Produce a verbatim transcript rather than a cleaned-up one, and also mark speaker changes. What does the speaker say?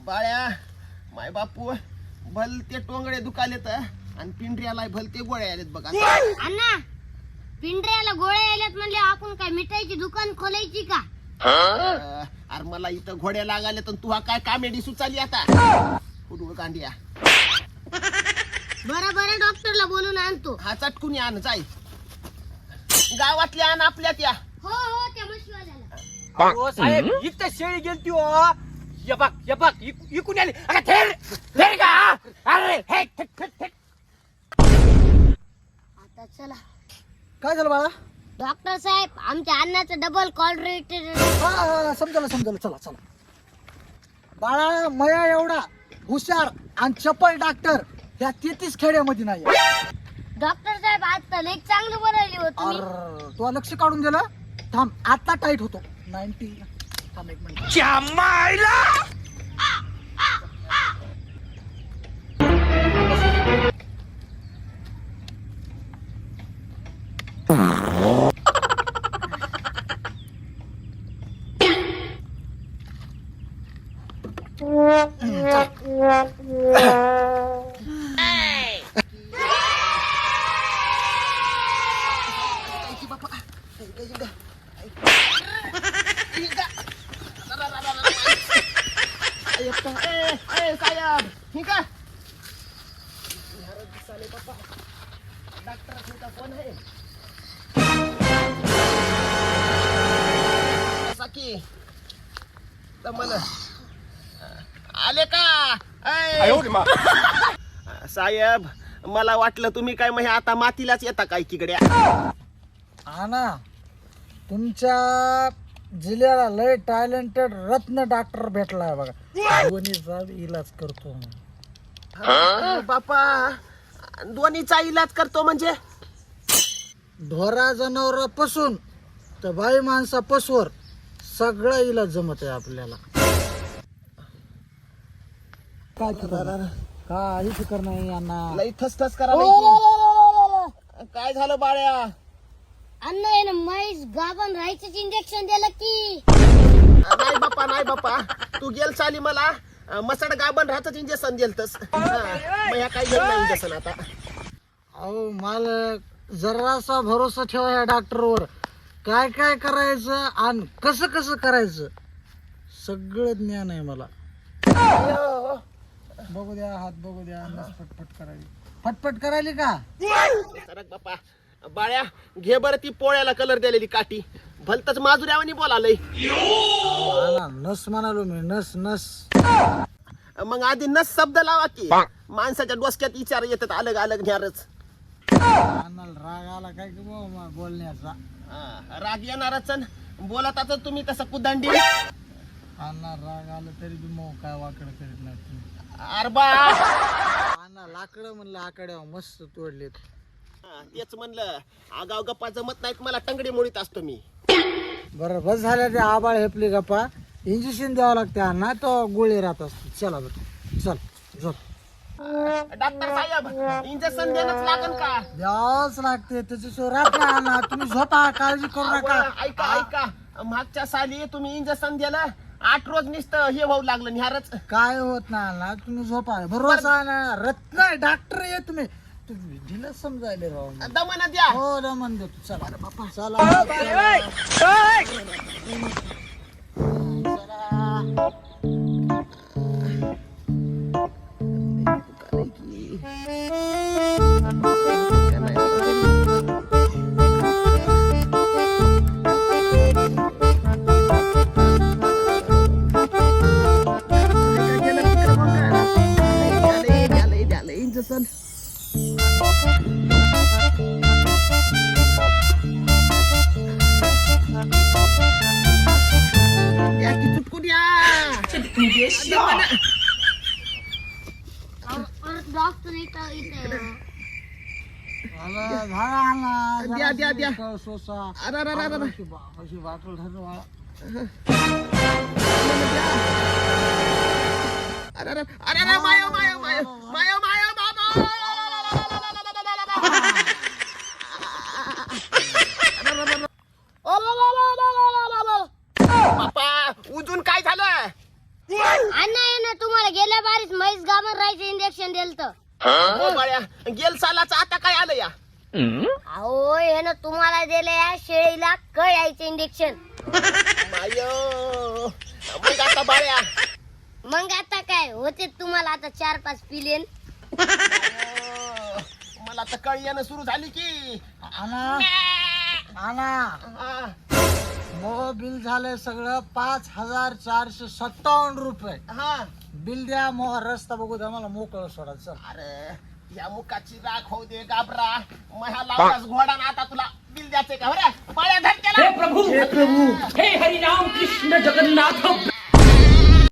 Speaker 1: बाळ्या माय बापू भल ते टोंगडे दुखालेत आणि पिंढऱ्याला भल ते गोळ्या आलेत बघा.
Speaker 2: अण्णा पिंढऱ्याला गोळ्या आल्यात म्हणले आपण काय मिठाईची दुकान खोलायची का?
Speaker 1: अरे मला इथं घोड्या लागाले तर तू हा काय कॉमेडी सुचाली आता कुठून कांडिया.
Speaker 2: बरं बरं डॉक्टरला बोलून आणतो.
Speaker 1: हा चटकून आण जाय गावातल्या आण आपल्या त्या.
Speaker 2: हो हो त्या मशीवाल्याला.
Speaker 3: हो साहेब इथं शेळी गेलती हो. ये बघ ये बघ इक- इकून आली अगं थेर थेर का अरे हे थेट थेट थेट.
Speaker 2: आता चला.
Speaker 4: काय झालं बाळा?
Speaker 2: डॉक्टर साहेब आमच्या अन्नाचं डबल कॉल रेट.
Speaker 4: हा हा समजलं समजलं चला चला. बाळा मया एवढा हुशार आणि चपल डॉक्टर या तेहतीस खेड्यामध्ये नाही.
Speaker 2: डॉक्टर साहेब आज तर लेख चांगलं बनवली हो तुम्ही.
Speaker 4: अर तुला लक्ष काढून दिलं. थांब आता टाईट होतो. नाईन्टी थांब एक मिनिट.
Speaker 3: क्या मायला
Speaker 1: साहेब ठीक आहे डॉक्टर कोण आहे की मला आले का? साहेब मला वाटलं तुम्ही काय मग आता मातीलाच येता काय किकड्या.
Speaker 4: हा ना तुमच्या जिल्ह्याला लय टॅलेंटेड रत्न डॉक्टर भेटलाय बघा. दोन्हीचा इलाज करतो.
Speaker 1: बापा दोन्हीचा इलाज करतो म्हणजे
Speaker 4: ढोरा जनावरापासून तर बाई माणसापासून सगळं इलाज जमत आहे आपल्याला. काय फिकर काही फिकर नाही यांना.
Speaker 1: लई थसथस करा. काय झालं बाळ्या?
Speaker 2: अण्णा आहे ना म्हैस गाभण राहायचं इंजेक्शन दिलं की.
Speaker 1: नाही बापा नाही बापा तू गेल चाली मला मसड गाबन राहतच इंजेक्शन दिलतस. ह्या काही घेत नाही इंजेक्शन आता.
Speaker 4: अहो मालक जरासा भरोसा ठेवा या डॉक्टरवर. काय काय करायचं आणि कसं कसं करायचं सगळं ज्ञान आहे मला. बघू द्या हात बघू द्या. नस फटफट करायली फटफट करायली का?
Speaker 1: सरक बापा बाळ्या घे बरं ती पोळ्याला कलर दिलेली काठी भलतच माजुऱ्यावानी बोलालय.
Speaker 4: नस म्हणालो मी नस नस.
Speaker 1: मग आधी नस शब्द लावा की माणसाच्या डोसक्यात विचार येतात अलग अलग न्यारच.
Speaker 4: राग आला काय की बुवा बोलण्याचा.
Speaker 1: राग येणारच बोलत आता तुम्ही तसं कुदंडी.
Speaker 4: अण्णा राग आलं तरी बी मग काय वाकड करीत नाही तुम्ही.
Speaker 1: अरबा
Speaker 4: अण्णा लाकडं म्हणलं आकड्या मस्त तोडलेत.
Speaker 1: तेच म्हणलं आगाव गप्पा जमत नाहीत मला टंगडी मोडीत असतो मी.
Speaker 4: बरं बस झाल्या ते आबाळ हेपली गप्पा. इंजेक्शन द्यावं लागते अण्णा तो गोळी राहत असते. चला बरं चल झोप.
Speaker 1: डॉक्टर साहेब इंजेक्शन देणंच लागन का?
Speaker 4: द्यावंच लागते त्याच्याशिवाय राहत नाही अण्णा. तुम्ही झोपा काळजी करू नका.
Speaker 1: ऐका ऐका मागच्या साली तुम्ही इंजेक्शन दिलं आठ रोज नुसतं हे होऊ लागलं निहारच.
Speaker 4: काय होत नाही अण्णा तुम्ही झोपा. भरोसा आहे ना रत्न डॉक्टर आहे तुम्ही. तुम्ही ढिलं समजायले राव.
Speaker 1: दमन द्या.
Speaker 4: हो दमन देतो. चला बापा चला.
Speaker 1: इंजेक्शन या की चुटकून या.
Speaker 2: डॉक्टर इथं इथं.
Speaker 1: द्या द्या द्या.
Speaker 4: सोसा
Speaker 1: अरे अरे अरे अरे
Speaker 4: अशी वाटल ठरवा.
Speaker 1: अरे अरे अरे अरे मायो मायो मायो मायो मायो बाबा. बापा उजून काय झालं?
Speaker 2: अण्णा आहे ना तुम्हाला गाभण राहायचं इंजेक्शन दिलं तर
Speaker 1: हो बाळ्या, गेल सालाचं आता काय आलं या?
Speaker 2: अहो हे ना तुम्हाला दिले या शेळीला कळ यायचं इंजेक्शन.
Speaker 1: माय मग आता बाळ्या,
Speaker 2: मग आता काय होते तुम्हाला आता चार पाच पिलेन.
Speaker 1: अं, मला तर कळ येणं सुरू झाली की.
Speaker 4: आणा आणा
Speaker 1: हा,
Speaker 4: मग बिल झालंय सगळं पाच हजार चारशे सत्तावन्न रुपये.
Speaker 1: हा.
Speaker 4: बिल द्या, मग रस्ता बघू द्या, मला मोकळं सोडा. चल.
Speaker 1: अरे या मुखाची राख होऊ दे गाबरा, महा लावलास घोडा ना आता तुला बिल द्यायचंय का? बरं बाळ्या धर केला.
Speaker 3: हे प्रभु हे हरिनाम कृष्ण जगन्नाथ